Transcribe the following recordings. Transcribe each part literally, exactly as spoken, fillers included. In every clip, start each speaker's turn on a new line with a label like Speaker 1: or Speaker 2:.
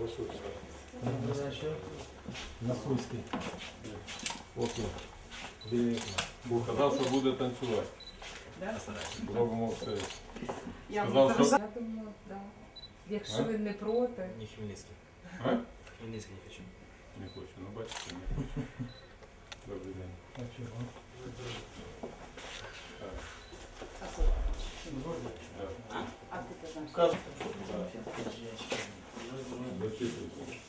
Speaker 1: Насульський.
Speaker 2: Окей. Бо казав, що буде танцювати.
Speaker 3: Да?
Speaker 2: Робимо все.
Speaker 3: Я
Speaker 2: Сказав, що-
Speaker 3: Я думаю, да. Якщо
Speaker 2: А?
Speaker 3: ви не проти.
Speaker 4: Не Хмельницкий.
Speaker 2: А?
Speaker 4: Хмельницкий не хочу.
Speaker 2: Не хочу, ну бачите, не хочу. Добрий день.
Speaker 1: А чого?
Speaker 2: Так.
Speaker 3: А ти казав.
Speaker 2: Зачитуйте.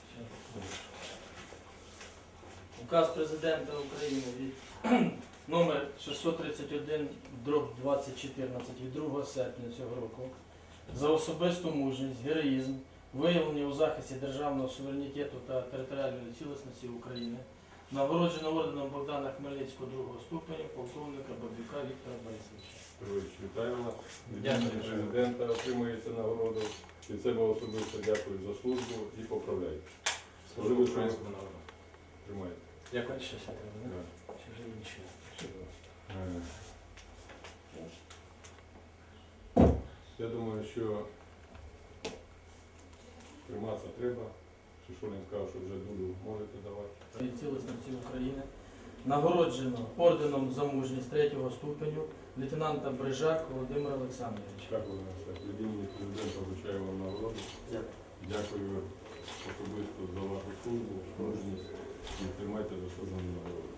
Speaker 5: Указ Президента України від номер шістсот тридцять один дроб двадцять чотирнадцять від другого серпня цього року за особисту мужність, героїзм, виявлені у захисті державного суверенітету та територіальної цілісності України, нагороджено орденом Богдана Хмельницького другого ступеня полковника Бабюка Віктора Борисовича.
Speaker 2: Петрович, вітаю вас. Від
Speaker 5: Дякую.
Speaker 2: імені президента отримуєте нагороду. Від себе особисто дякую за службу і поправляю.
Speaker 4: Служу
Speaker 2: Можливо, що
Speaker 4: українському народу.
Speaker 2: тримаєте.
Speaker 5: Дякую, що все треба,
Speaker 2: Да.
Speaker 5: Чи вже інше?
Speaker 2: Е, Я думаю, що триматися треба. Шишулін сказав, що вже дулю можете давати.
Speaker 5: Від цілісності України нагороджено орденом за мужність третього ступеню лейтенанта Брижак Володимира Олександровича.
Speaker 2: Дякую на все. Від імені президента вручаю вам нагороду.
Speaker 5: Дякую.
Speaker 2: Дякую особисто за вашу службу, мужність і тримайте заслужену нагороду.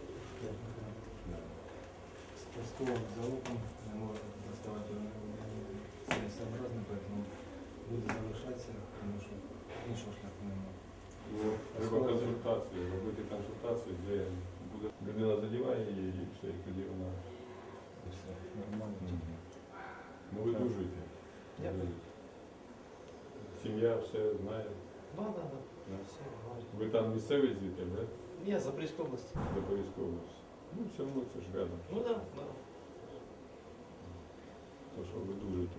Speaker 1: Спасковым залогом не можно доставать целесообразно, поэтому буду залишатися, тому що іншого шляху немає.
Speaker 2: Ну, треба консультації, робити консультації, де буде людина задіває її і все, і тоді вона
Speaker 1: І все нормально.
Speaker 2: ну, видужуйте.
Speaker 1: Дякую.
Speaker 2: Сім'я все знає.
Speaker 1: Да, да, да.
Speaker 2: Да.
Speaker 1: Все, говорить.
Speaker 2: Ви там місцевий звідти, да?
Speaker 1: Я Запорізька область.
Speaker 2: Запорізька область. Ну, все одно це ж рядом.
Speaker 1: Ну да, да.
Speaker 2: То, що видужуйте.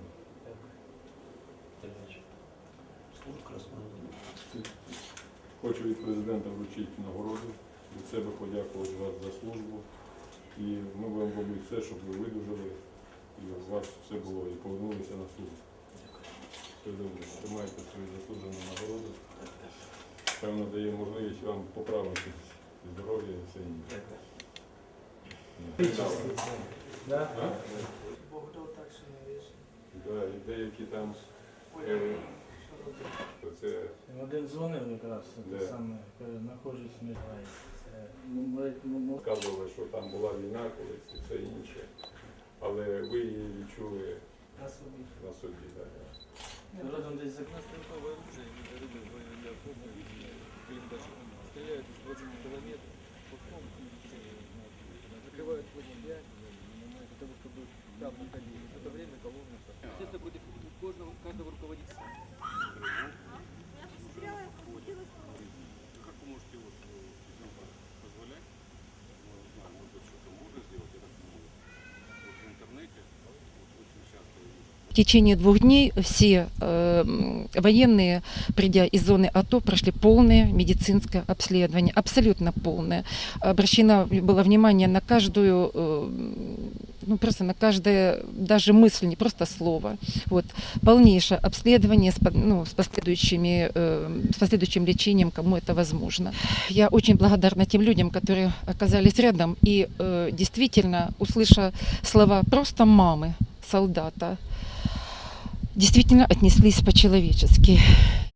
Speaker 2: Хочу від президента вручити нагороду, від себе подякувати вас за службу. І ми будемо робити все, щоб ви видужали, і у вас все було, і повернулися на службу. Все добре, тримайте свою заслужену нагороду. Певно, дає можливість вам поправити здоров'я і все інше.
Speaker 5: Да?
Speaker 2: А?
Speaker 3: Бог дав так, що не вірш.
Speaker 2: Да, і деякі там е, це
Speaker 5: Один дзвонив якраз,
Speaker 2: Де?
Speaker 5: те саме, каже, знаходжусь в Міжгайці. Це, ну, ми- ну, ну,
Speaker 2: сказували, що там була війна колись і все інше. Але ви її відчули
Speaker 5: на собі.
Speaker 2: на собі. Так.
Speaker 5: Родом десь за
Speaker 6: Стрелковое оружие, недорогое военное форма, блин, даже стреляют из двадцати километров, потом закрывают лагеря для того, чтобы там находились. В это время колонны. Естественно, против каждого, каждого руководителя.
Speaker 7: Как вы можете вот ребенка позволять? Ну, не знаю, может быть, что-то можно сделать, я так думаю. Вот в интернете вот очень часто я вижу.
Speaker 8: В течение двух дней все э, военные, придя из зоны АТО, прошли полное медицинское обследование, абсолютно полное. Обращено было внимание на каждую, э, ну просто на каждое, даже мысль, не просто слово. Вот. Полнейшее обследование с, по- ну, с, последующими, э, с последующим лечением, кому это возможно. Я очень благодарна тем людям, которые оказались рядом и э, действительно, услыша слова просто мамы солдата, действительно отнеслись по-человечески.